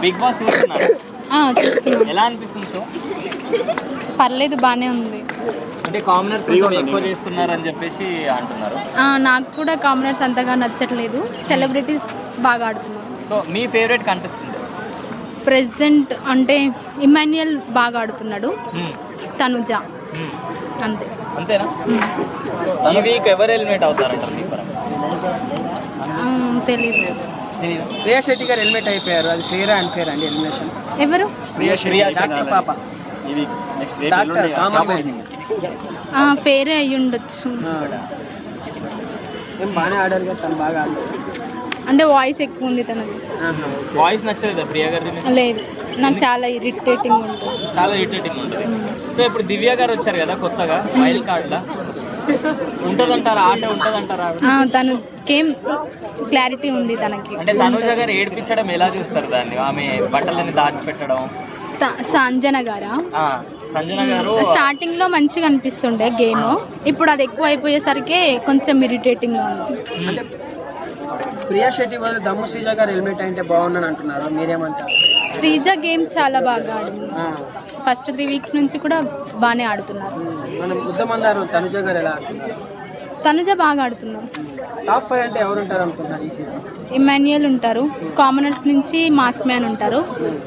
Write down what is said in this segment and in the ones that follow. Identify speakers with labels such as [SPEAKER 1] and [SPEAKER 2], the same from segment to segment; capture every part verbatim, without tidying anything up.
[SPEAKER 1] Big boss చూస్తున్నారా?
[SPEAKER 2] చూస్తున్నాను.
[SPEAKER 1] ఎలా అనిపిస్తుంది షో?
[SPEAKER 2] పర్లేదు, బాగానే ఉంది.
[SPEAKER 1] అంటే కామనర్స్ కొంచెం ఎక్కువ చేస్తున్నారని చెప్పేసి అంటున్నారు.
[SPEAKER 2] నాకు కూడా కామనర్స్ అంతగా నచ్చట్లేదు, సెలబ్రిటీస్ బాగా ఆడుతున్నారు.
[SPEAKER 1] సో మీ ఫేవరెట్ కంటెస్టెంట్?
[SPEAKER 2] ప్రెసెంట్ అంటే ఇమాన్యుయల్ బాగా ఆడుతున్నాడు, తనుజ అంతే.
[SPEAKER 1] అంతేనా? ఈ వీక్ ఎవరు ఎలిమినేట్ అవుతారంటారు మీ పరంగా?
[SPEAKER 2] తెలీదు.
[SPEAKER 3] ప్రియా శెట్టి గారు హెల్మెట్ అయిపోయారు, అది ఫేర్ అండ్ ఫేర్ అండి ఎలిమినేషన్?
[SPEAKER 2] ఎవరు?
[SPEAKER 3] ప్రియా శెట్టి పాప
[SPEAKER 2] ఫేరే అయ్యి ఉండొచ్చు.
[SPEAKER 3] ఏం బాగానే ఆడారు కదా, తను బాగా ఆడారు
[SPEAKER 2] అంటే వాయిస్ ఎక్కువ ఉంది తనది.
[SPEAKER 1] వాయిస్ నచ్చలేదా ప్రియా గారి?
[SPEAKER 2] లేదు, నాకు చాలా ఇరిటేటింగ్ ఉంటుంది.
[SPEAKER 1] చాలా ఇరిటేటింగ్ ఉంటుంది. సో ఇప్పుడు దివ్య గారు వచ్చారు కదా కొత్తగా వైల్డ్ కార్డ్లా, ఉంటదంటారా ఆట? ఉంటదంటారా?
[SPEAKER 2] తనకేం క్లారిటీ ఉంది తనకి.
[SPEAKER 1] అంటే తనుజ గారు ఏడిపించడం ఎలా చూస్తారు దాన్ని? ఆమె బట్టలని దాచిపెట్టడం.
[SPEAKER 2] సంజన గారా?
[SPEAKER 1] సంజన గారు
[SPEAKER 2] స్టార్టింగ్ లో మంచిగా అనిపిస్తుండే గేమ్, ఇప్పుడు అది ఎక్కువ అయిపోయేసరికి కొంచెం ఇరిటేటింగ్ గా ఉంది.
[SPEAKER 3] అంటే ప్రియా శెట్టి వాళ్ళు దమ్ము శ్రీజ గారు హెల్మెట్ అయితే బాగుందని అంటున్నారు, మీరేమంటారు?
[SPEAKER 2] శ్రీజ గేమ్స్ చాలా బాగా ఆడింది, ఫస్ట్ త్రీ వీక్స్ నుంచి కూడా బాగానే ఆడుతున్నారు.
[SPEAKER 3] మనం ముద్దమందారు తనుజ గారు ఎలా ఆడుతున్నారు?
[SPEAKER 2] తనుజ బాగా ఆడుతున్నారు.
[SPEAKER 3] టాప్ ఫైవ్ అంటే ఎవరు ఉంటారు అనుకుంటున్నారు ఈ సీజన్?
[SPEAKER 2] ఇమాన్యుయల్ ఉంటారు, కామనర్స్ నుంచి మాస్క్ మ్యాన్ ఉంటారు,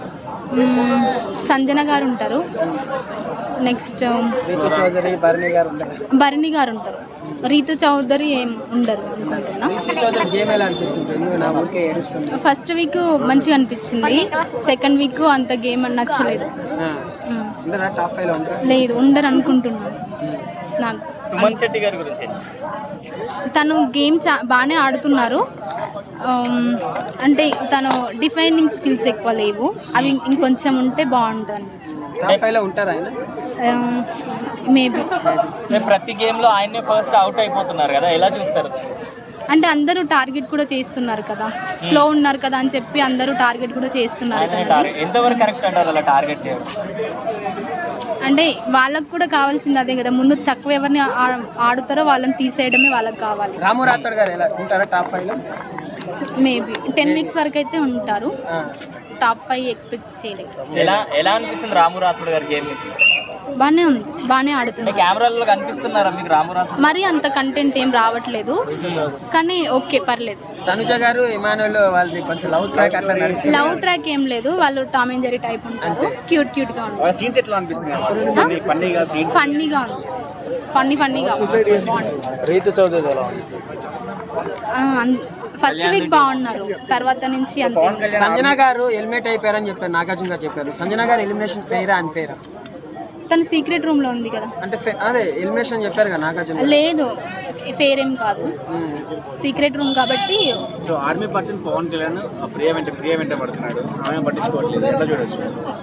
[SPEAKER 2] సంజన గారు ఉంటారు, నెక్స్ట్
[SPEAKER 3] రీతు చౌదరి, భరణి గారు ఉంటారు.
[SPEAKER 2] భరణి గారు ఉంటారు, రీతు చౌదరి ఏం ఉండరు అనుకుంటున్నా.
[SPEAKER 3] రీతు చౌదరి గేమ్ ఎలా అనిపిస్తుంది? నా ఊరికే ఏడుస్తుంది.
[SPEAKER 2] ఫస్ట్ వీక్ మంచిగా అనిపించింది, సెకండ్ వీక్ అంత గేమ్ నచ్చలేదు.
[SPEAKER 3] టాప్ ఫైవ్ లో ఉంటారు? లేదు,
[SPEAKER 2] ఉండరు అనుకుంటున్నాను. నాకు
[SPEAKER 1] సుమన్ శెట్టి గారి గురించి
[SPEAKER 2] తను గేమ్ చా బాగానే ఆడుతున్నారు, అంటే తను డిఫైనింగ్ స్కిల్స్ ఎక్కువ లేవు, అవి ఇంకొంచెం ఉంటే బాగుంటుంది అనిపించింది.
[SPEAKER 3] టాప్ ఫైవ్ లో ఉంటారు ఆయన?
[SPEAKER 2] మేబీ.
[SPEAKER 1] ప్రతి గేమ్ లో ఆయనే ఫస్ట్ అవుట్ అయిపోతున్నారు కదా, ఎలా చూస్తారు?
[SPEAKER 2] అంటే అందరూ టార్గెట్ కూడా చేస్తున్నారు కదా, స్లో ఉన్నారు కదా అని చెప్పి అందరూ టార్గెట్ కూడా చేస్తున్నారు.
[SPEAKER 1] ఎంతవరకు కరెక్ట్ అంటారు అలా టార్గెట్ చేయడం?
[SPEAKER 2] అంటే వాళ్ళకు కూడా కావాల్సింది అదే కదా, ముందు తక్కువ ఎవరిని ఆడుతారో వాళ్ళని తీసేయడమే వాళ్ళకి కావాలి.
[SPEAKER 3] రాము రాథోడ్ గారు ఎలా ఉంటారా టాప్ ఫైవ్ లో?
[SPEAKER 2] మేబీ టెన్ వీక్స్ వరకు అయితే ఉంటారు, టాప్ ఫైవ్ ఎక్స్పెక్ట్ చేయలేదు.
[SPEAKER 1] ఎలా ఎలా అనిపిస్తుంది రాము రాథోడ్ గారి గేమ్?
[SPEAKER 2] బాగానే ఉంది, బాగానే ఆడుతున్నారు.
[SPEAKER 1] కెమెరాలో కనిపిస్తున్నారా మీకు రాము రాథోడ్?
[SPEAKER 2] మరి అంత కంటెంట్ ఏం రావట్లేదు, కానీ ఓకే పర్లేదు.
[SPEAKER 3] తనుజ గారు ఇమానుయల్ వాళ్ళది కొంచెం లవ్ ట్రాక్ అట్లా నడుస్తుంది.
[SPEAKER 2] లవ్ ట్రాక్ ఏం లేదు, వాళ్ళు టామ్ అండ్ జెర్రీ టైప్ ఉంటారు, క్యూట్ క్యూట్ గా ఉంటారు.
[SPEAKER 3] సీన్స్ ఎట్లా అనిపిస్తుంది?
[SPEAKER 2] ఫన్నీగా ఉంది, ఫన్నీ ఫన్నీగా.
[SPEAKER 3] రీతు చౌదరి ఎలా ఉంది?
[SPEAKER 2] ఫస్ట్ వీక్ బాగున్నారు, తర్వాత నుంచి అంతే.
[SPEAKER 3] సంజన గారు హెల్మెట్ అయిపోయారని చెప్పారు, నాగార్జున గారు చెప్పారు. సంజన గారు ఎలిమినేషన్ ఫెయిరా అన్ ఫెయిరా?
[SPEAKER 2] తన సీక్రెట్ రూమ్ లో ఉంది కదా,
[SPEAKER 3] అంటే అదే ఎలిమినేషన్ చెప్పారు కదా నాగార్జున.
[SPEAKER 2] లేదు, ఫెయిర్ ఏం కాదు, సీక్రెట్ రూమ్ కాబట్టి.
[SPEAKER 3] ఆర్మీ పర్సన్ పవన్ కళ్యాణ్ ప్రియ వెంట ప్రియ వెంట పడుతున్నాడు, ఆమె పట్టించుకోవట్లేదు, ఎలా చూడొచ్చు?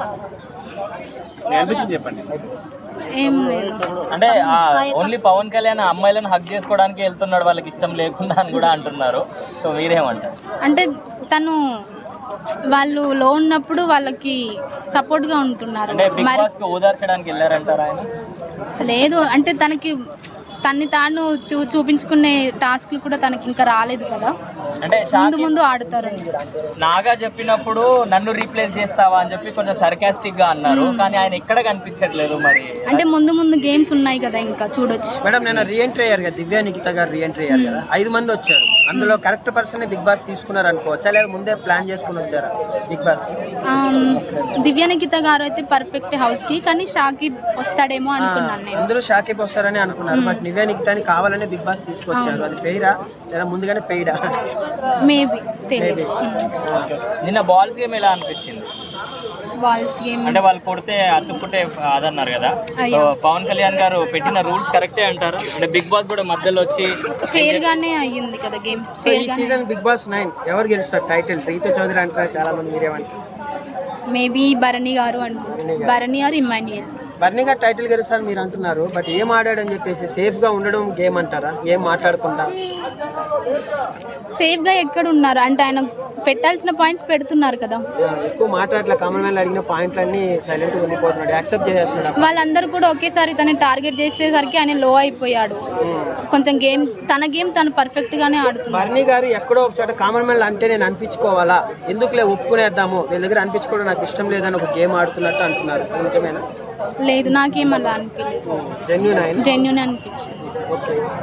[SPEAKER 3] చెప్పండి.
[SPEAKER 2] ఏం లేదు,
[SPEAKER 1] అంటే ఓన్లీ పవన్ కళ్యాణ్ అమ్మాయిలను హక్ చేసుకోవడానికి వెళ్తున్నాడు, వాళ్ళకి ఇష్టం లేకుండా అని కూడా అంటున్నారు. సో మీరేమంటారు?
[SPEAKER 2] అంటే తను వాళ్ళు లో ఉన్నప్పుడు వాళ్ళకి సపోర్ట్ గా ఉంటున్నారు.
[SPEAKER 1] ఓదార్చడానికి వెళ్ళారంటారా ఆయన?
[SPEAKER 2] లేదు, అంటే తనకి తన్ని తాను చూ చూపించుకునే టాస్క్లు కూడా తనకి ఇంకా రాలేదు కదా,
[SPEAKER 1] అంటే
[SPEAKER 2] ముందు ముందు ఆడుతారు.
[SPEAKER 1] నాగా చెప్పినప్పుడు నన్ను రీప్లేస్ చేస్తావా అని చెప్పి కొంచెం సర్కాస్టిక్ గా అన్నారు, కానీ ఆయన ఎక్కడ కనిపించట్లేదు. మరి
[SPEAKER 2] అంటే ముందు ముందు గేమ్స్ ఉన్నాయి కదా, ఇంకా చూడొచ్చు.
[SPEAKER 3] మేడం నేను రీఎంట్రీ అయ్యారు కదా, దివ్య నిఖిత గారు రీఎంట్రీ అయ్యారు కదా, ఐదు మంది వచ్చారు, అందులో కరెక్ట్ పర్సన్ బిగ్ బాస్ తీసుకున్నారు అనుకోవచ్చా, లేదా ముందే ప్లాన్ చేసుకుని వచ్చారా బిగ్ బాస్?
[SPEAKER 2] దివ్య నిఖిత గారు అయితే పర్ఫెక్ట్ హౌస్ కి, కానీ షాకిబ్ వస్తాడేమో అనుకున్నాను నేను.
[SPEAKER 3] అందరూ షాకిబ్ వస్తారని అనుకున్నారు, బట్ దివ్య నిఖితాని కావాలని బిగ్ బాస్ తీసుకొచ్చారు, అది ఫెయిరా లేదా ముందుగానే పెయిడా?
[SPEAKER 2] మేబీ తెలియదు.
[SPEAKER 1] నిన్న బాల్స్ గేమ్ ఎలా అనిపించింది?
[SPEAKER 2] బాల్స్ గేమ్
[SPEAKER 1] అంటే వాళ్ళు కొడితే అతుక్కుంటే అదన్నారు కదా, పవన్ కళ్యాణ్ గారు పెట్టిన రూల్స్ కరెక్టే అంటారు? అంటే బిగ్ బాస్ కూడా మధ్యలో వచ్చి
[SPEAKER 2] ఫేర్ గానే అయ్యింది కదా గేమ్.
[SPEAKER 3] ఈ సీజన్ బిగ్ బాస్ నైన్ ఎవరు గెలుస్తారు టైటిల్? రీతు చౌదరి అంటారు చాలా మంది, మీరేమంటారు?
[SPEAKER 2] మేబీ భరణి గారు అంటారు, భరణి ఆర్ ఇమాన్యుయల్.
[SPEAKER 3] భరణి గారు టైటిల్ గెలుస్తారు మీరు అంటున్నారు, బట్ ఏం ఆడాడని చెప్పేసి సేఫ్ గా ఉండడం గేమ్ అంటారా? ఏం మాట్లాడకుండా
[SPEAKER 2] సేఫ్గా ఎక్కడ ఉన్నారు అంటే ఆయన పెట్టాల్సిన పాయింట్స్ పెడుతున్నారు కదా.
[SPEAKER 3] ఎక్కువ మాట్లాడలే, కామన్ మ్యాన్ అడిగిన పాయింట్లన్నీ సైలెంట్గా ఉండిపోతున్నాడు, యాక్సెప్ట్ చేసేస్తున్నాడు.
[SPEAKER 2] వాళ్ళందరూ కూడా ఒకేసారి తనని టార్గెట్ చేసేసరికి ఆయన లో అయిపోయాడు. కొంచెం గేమ్ తన గేమ్ తను పర్ఫెక్ట్గానే ఆడుతున్నారు.
[SPEAKER 3] బర్నీ గారు ఎక్కడో ఒక చోట కామన్ మ్యాన్ అంటే నేను అనిపించుకోవాలా, ఎందుకులే ఒప్పుకునేద్దాము, వీళ్ళ దగ్గర అనిపించుకోవడం నాకు ఇష్టం లేదని ఒక గేమ్ ఆడుతున్నట్టు అంటున్నారు. నిజమేనా?
[SPEAKER 2] లేదు, నాకేం అలా అనిపించలేదు,
[SPEAKER 3] జెన్యూన్ ఆయన
[SPEAKER 2] జెన్యూన్ అనిపించింది.
[SPEAKER 3] ఓకే.